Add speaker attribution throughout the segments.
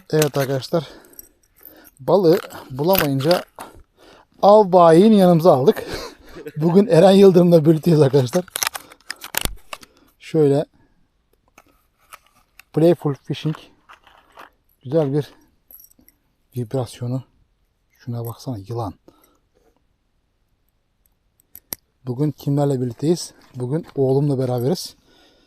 Speaker 1: Evet arkadaşlar. Balığı bulamayınca av bayini yanımıza aldık. Bugün Eren Yıldırım'la birlikteyiz arkadaşlar. Şöyle Playful Fishing güzel bir vibrasyonu. Şuna baksana, yılan. Bugün kimlerle birlikteyiz? Bugün oğlumla beraberiz.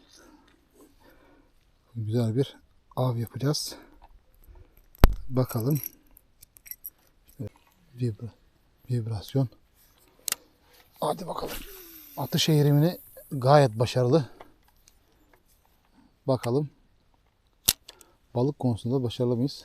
Speaker 1: Güzel bir av yapacağız. Bakalım. Vibrasyon. Hadi bakalım. Atış eğrimini gayet başarılı. Bakalım. Balık konusunda başarılı mıyız?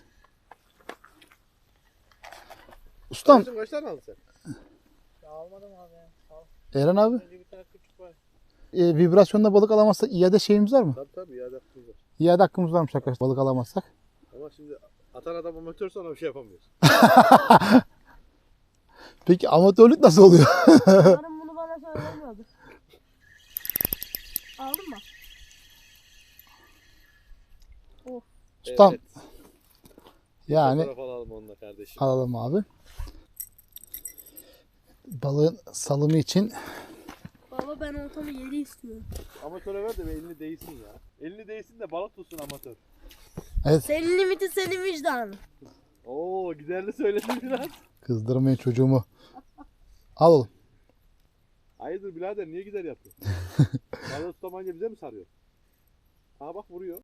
Speaker 1: Ustam.
Speaker 2: Kaç tane aldın sen?
Speaker 3: Ya almadım abi. Al.
Speaker 1: Eren abi.
Speaker 3: Önce bir tane küçük var.
Speaker 1: Vibrasyonda balık alamazsak iade şeyimiz var mı?
Speaker 2: Tabii iade hakkımız var.
Speaker 1: İade hakkımız varmış arkadaşlar balık alamazsak.
Speaker 2: Ama şimdi atan adam amatör sonra bir şey yapamıyoruz.
Speaker 1: Peki amatörlük nasıl oluyor?
Speaker 3: Umarım bunu bana söylemiyordur. Aldın mı?
Speaker 1: Ustam.
Speaker 2: Evet.
Speaker 1: Yani
Speaker 2: Fotoğraf alalım onunla kardeşim.
Speaker 1: alalım abi. Balığın salımı için
Speaker 3: Baba ben ortamı 7 istiyorum.
Speaker 2: Amatöre ver de elini değsin ya. Elini değsin de balık tutsun amatör.
Speaker 3: Senin limiti senin vicdanın.
Speaker 2: Oo giderli söyledin biraz.
Speaker 1: kızdırmayın çocuğumu. Al oğlum.
Speaker 2: Hayırdır birader niye gider yapıyor? Balığı tutamayınca bize mi sarıyor? Aha bak vuruyor.